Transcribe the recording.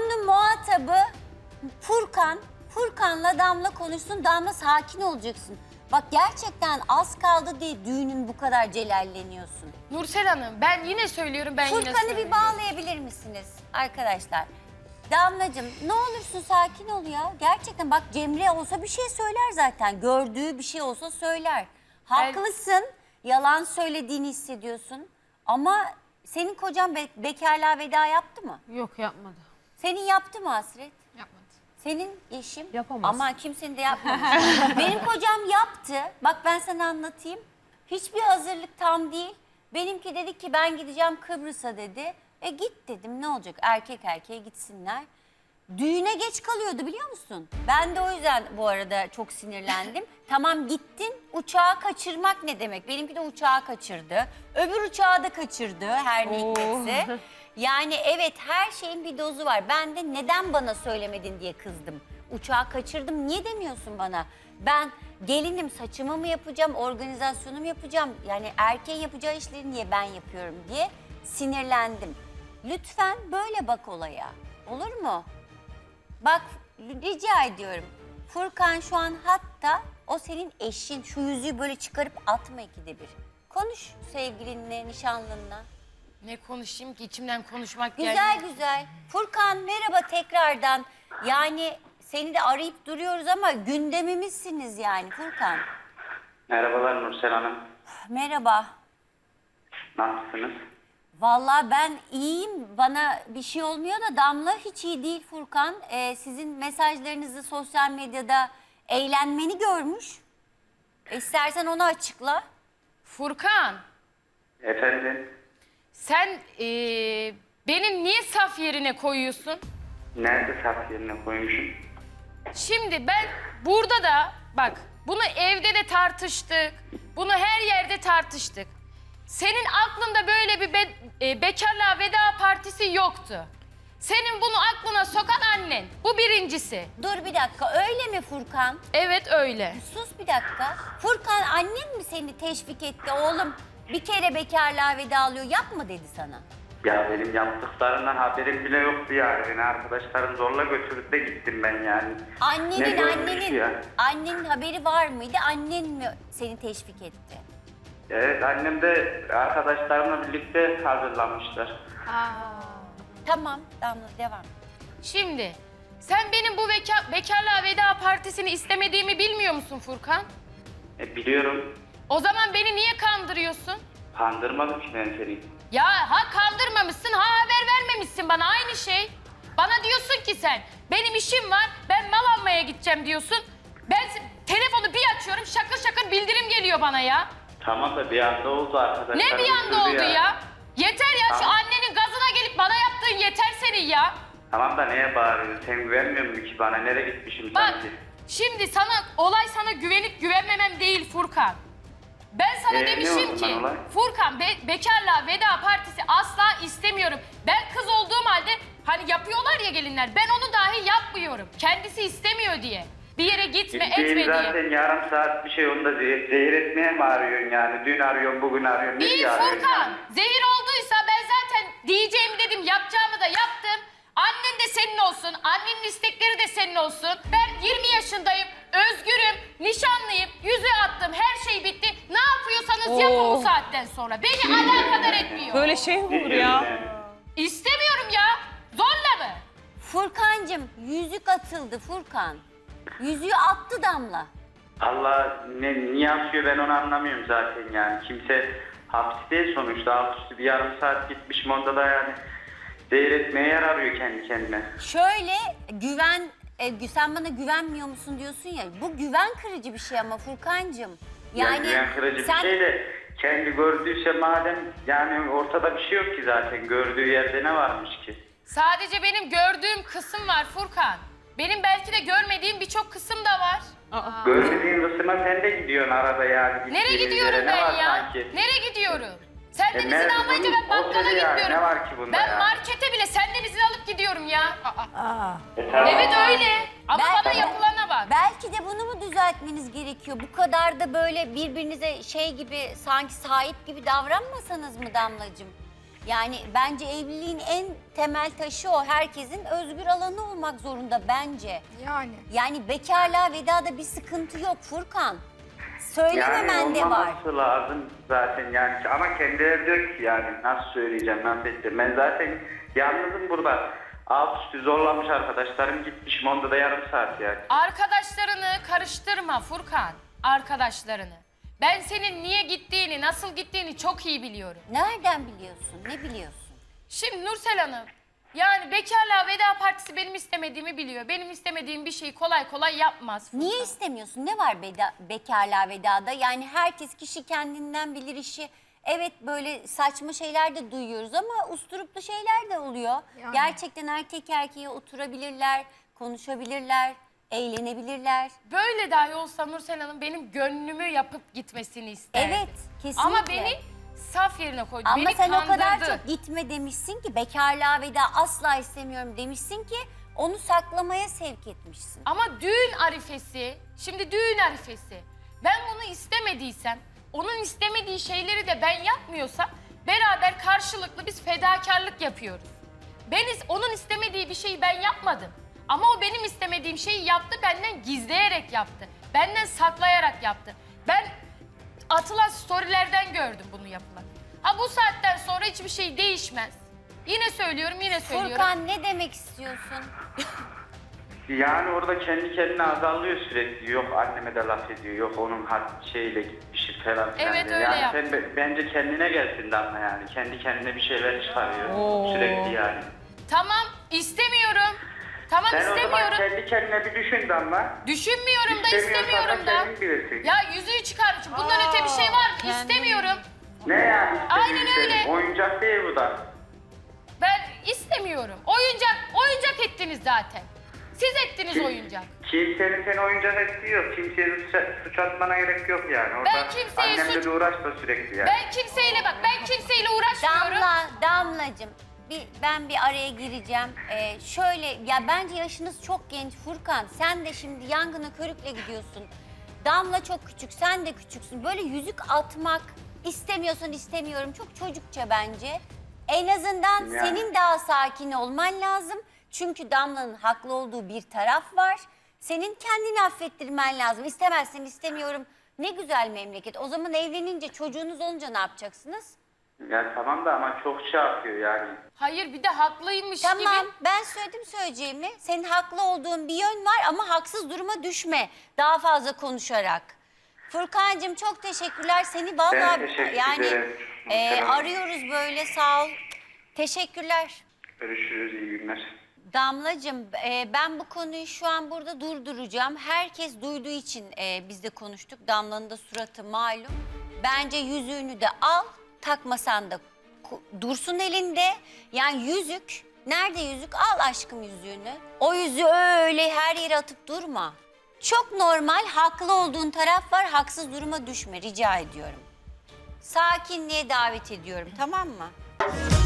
Bunun muhatabı Furkan. Furkan'la Damla konuşsun. Damla sakin olacaksın. Bak gerçekten az kaldı diye düğünün bu kadar celalleniyorsun. Nursel Hanım ben yine söylüyorum Furkan'ı bir bağlayabilir misiniz arkadaşlar? Damlacığım ne olursun sakin ol ya. Gerçekten bak Cemre olsa bir şey söyler zaten. Gördüğü bir şey olsa söyler. Haklısın. Yalan söylediğini hissediyorsun. Ama senin kocan bekarlığa veda yaptı mı? Yok yapmadı. Senin yaptı mı Hasret? Yapmadı. Senin eşim? Yapamaz. Ama kimsenin de yapmamış. Benim kocam yaptı. Bak ben sana anlatayım. Hiçbir hazırlık tam değil. Benimki dedi ki ben gideceğim Kıbrıs'a dedi. Git dedim ne olacak erkek erkeğe gitsinler. Düğüne geç kalıyordu biliyor musun? Ben de o yüzden bu arada çok sinirlendim. Tamam gittin uçağı kaçırmak ne demek? Benimki de uçağı kaçırdı. Öbür uçağı da kaçırdı her ne hikmetse. Yani evet her şeyin bir dozu var. Ben de neden bana söylemedin diye kızdım. Uçağı kaçırdım niye demiyorsun bana? Ben gelinim saçımı mı yapacağım, organizasyonu mu yapacağım? Yani erkeğin yapacağı işleri niye ben yapıyorum diye sinirlendim. Lütfen böyle bak olaya. Olur mu? Bak rica ediyorum. Furkan şu an hatta o senin eşin. Şu yüzüğü böyle çıkarıp atma ikide bir. Konuş sevgilinle, nişanlınla. Ne konuşayım ki içimden konuşmak Güzel gelmiyor. güzel. Furkan merhaba tekrardan. Yani seni de arayıp duruyoruz ama gündemimizsiniz yani Furkan. Merhabalar Nursel Hanım. Merhaba. Nasılsınız? Vallahi ben iyiyim. Bana bir şey olmuyor da Damla hiç iyi değil Furkan. Sizin mesajlarınızı sosyal medyada eğlenmeni görmüş. İstersen onu açıkla. Furkan Efendim? sen beni niye saf yerine koyuyorsun? Nerede saf yerine koymuşum? Şimdi ben burada da bak bunu evde de tartıştık. Bunu her yerde tartıştık. Senin aklında böyle bir bekarlığa veda partisi yoktu. Senin bunu aklına sokan annen. Bu birincisi. Dur bir dakika öyle mi Furkan? Evet öyle. Sus bir dakika. Furkan annen mi seni teşvik etti oğlum? Bir kere bekarlığa veda alıyor yapma dedi sana. Ya benim yaptıklarımdan haberim bile yoktu yani. Beni arkadaşlarım zorla götürüp de gittim ben yani. Ne görmüş ya? Annenin haberi var mıydı? Annen mi seni teşvik etti? Evet annem de arkadaşlarımla birlikte hazırlanmışlar. Tamam Damla devam. Şimdi sen benim bu bekarlığa veda partisini istemediğimi bilmiyor musun Furkan? Biliyorum. O zaman beni niye kandırıyorsun? Kandırmadım ki ben seni. Ya ha kandırmamışsın ha haber vermemişsin bana aynı şey. Bana diyorsun ki sen benim işim var ben mal almaya gideceğim diyorsun. Ben telefonu bir açıyorum şakır şakır bildirim geliyor bana ya. Tamam da bir anda oldu arkadaşlar. Ne bir anda oldu ya? Yeter ya şu Tamam. annenin gazına gelip bana yaptığın yeter senin ya. Tamam da neye bağırıyorsun? Sen güvenmiyor musun ki bana? Nereye gitmişim Bak sanki? şimdi olay sana güvenip güvenmemem değil Furkan. Ben sana Ne demişim oldu ki lan olay? Furkan bekarlığa veda partisi asla istemiyorum. Ben kız olduğum halde hani yapıyorlar ya gelinler ben onu dahi yapmıyorum. Kendisi istemiyor diye. Bir yere gitme etme Gittiğin diye. zaten yarım saat bir şey onda zehir etmeye mi arıyorsun yani? Dün arıyorsun, bugün arıyorsun. Değil nereye arıyorsun Furkan. yani? Zehir olduysa ben zaten diyeceğimi dedim, yapacağımı da yaptım. Annen de senin olsun, annenin istekleri de senin olsun. Ben 20 yaşındayım, özgürüm, nişanlıyım, yüzüğü attım, her şey bitti. Ne yapıyorsanız yapın bu saatten sonra. Beni alakadar etmiyor. Böyle şey mi olur ya? İstemiyorum ya. Zorla mı? Furkancığım yüzük atıldı Furkan. Yüzüğü attı Damla. Allah niye atıyor ben onu anlamıyorum zaten yani. Kimse hapis değil sonuçta. Altüstü bir yarım saat gitmişim onda da yani. Zehir etmeye yer arıyor kendi kendine. Şöyle sen bana güvenmiyor musun diyorsun ya. Bu güven kırıcı bir şey ama Furkancığım. Yani güven kırıcı bir şey de kendi gördüyse madem yani ortada bir şey yok ki zaten. Gördüğü yerde ne varmış ki? Sadece benim gördüğüm kısım var Furkan. Benim belki de görmediğim birçok kısım da var. Görmediğin kısma sen de gidiyorsun arada yani. Nereye Gittiğiniz gidiyorum yere ne ben var ya? sanki? Nereye gidiyorum? Senden izin nerede almayınca bunun ben bakkala oteli ya? gitmiyorum. Ne var ki bunda ben ya? markete bile senden izin alıp gidiyorum ya. Tamam. Evet öyle. Ama bana yapılana bak. Belki de bunu mu düzeltmeniz gerekiyor? Bu kadar da böyle birbirinize şey gibi sanki sahip gibi davranmasanız mı Damlacığım? Yani bence evliliğin en temel taşı o. Herkesin özgür alanı olmak zorunda bence. Yani. Yani bekarlığa vedada bir sıkıntı yok Furkan. Söylememen de var. olmaması lazım zaten yani ama kendileri diyor ki yani nasıl söyleyeceğim, nasıl edeceğim. Ben zaten yalnızım burada. Alt üstü zorlamış arkadaşlarım, gitmişim onda da yarım saat yani. Arkadaşlarını karıştırma Furkan. Arkadaşlarını. Ben senin niye gittiğini, nasıl gittiğini çok iyi biliyorum. Nereden biliyorsun? Ne biliyorsun? Şimdi Nursel Hanım, yani bekarlığa veda partisi benim istemediğimi biliyor. Benim istemediğim bir şeyi kolay kolay yapmaz Furkan. Niye istemiyorsun? Ne var bekarlığa vedada? Yani herkes kişi kendinden bilir işi. Evet böyle saçma şeyler de duyuyoruz ama usturuplu şeyler de oluyor. Yani. Gerçekten erkek erkeğe oturabilirler, konuşabilirler, eğlenebilirler. Böyle dahi olsa Nursel Hanım benim gönlümü yapıp gitmesini isterdi. Evet, kesinlikle. Ama beni saf yerine koydu. Ama beni sen kandırdı. o kadar çok gitme demişsin ki, bekarlığa veda asla istemiyorum demişsin ki onu saklamaya sevk etmişsin. Ama düğün arifesi, şimdi düğün arifesi. Ben bunu istemediysem, onun istemediği şeyleri de ben yapmıyorsam beraber karşılıklı biz fedakarlık yapıyoruz. Onun istemediği bir şeyi ben yapmadım. Ama o benim istemediğim şeyi yaptı, benden gizleyerek yaptı. Benden saklayarak yaptı. Ben atılan storylerden gördüm bunu yapılan. Ha bu saatten sonra hiçbir şey değişmez. Yine söylüyorum, yine söylüyorum. Furkan ne demek istiyorsun? Yani orada kendi kendine azalıyor sürekli. Yok anneme de laf ediyor, yok onun şeyle gitmişi falan filan Evet, diye. öyle yani yaptı. sen bence kendine gelsin Damla yani. Kendi kendine bir şeyler çıkarıyor sürekli yani. Tamam, istemiyorum. Tamam, Sen o zaman istemiyorum. kendi kendine bir düşün Damla. Düşünmüyorum da İstemiyorsan istemiyorum da. kendin bilirsin. Ya yüzüğü çıkar. Bundan öte bir şey var mı? İstemiyorum. Ne yani Aynen istemiyorsun? öyle. Oyuncak değil bu da. Ben istemiyorum. Oyuncak ettiniz zaten. Siz ettiniz oyuncak. Kimsenin seni oyuncak ettiği yok. Kimseye suç atmana gerek yok yani. Orada Ben kimseye annemle suç- de uğraşma sürekli yani. Ben kimseyle uğraşmıyorum. Damlacığım ben bir araya gireceğim. Şöyle ya bence yaşınız çok genç Furkan. Sen de şimdi yangına körükle gidiyorsun. Damla çok küçük, sen de küçüksün. Böyle yüzük atmak istemiyorsan istemiyorum. Çok çocukça bence. En azından Yani. senin daha sakin olman lazım. Çünkü Damla'nın haklı olduğu bir taraf var. Senin kendini affettirmen lazım. İstemezsen istemiyorum. Ne güzel memleket. O zaman evlenince çocuğunuz olunca ne yapacaksınız? Ya tamam da ama çok şey yapıyor yani. Hayır, bir de haklıymış Tamam, gibi. ben söyledim söyleyeceğimi. Senin haklı olduğun bir yön var ama haksız duruma düşme daha fazla konuşarak. Furkancığım çok teşekkürler. Seni Ben vallahi teşekkür yani ederim. Selam. arıyoruz böyle, sağ ol. Teşekkürler. Görüşürüz, iyi günler. Damlacığım ben bu konuyu şu an burada durduracağım. Herkes duyduğu için biz de konuştuk. Damla'nın da suratı malum. Bence yüzüğünü de al, takmasan da dursun elinde. Yani yüzük, nerede yüzük? Al aşkım yüzüğünü. O yüzüğü öyle her yere atıp durma. Çok normal, haklı olduğun taraf var. Haksız duruma düşme, rica ediyorum. Sakinliğe davet ediyorum, tamam mı?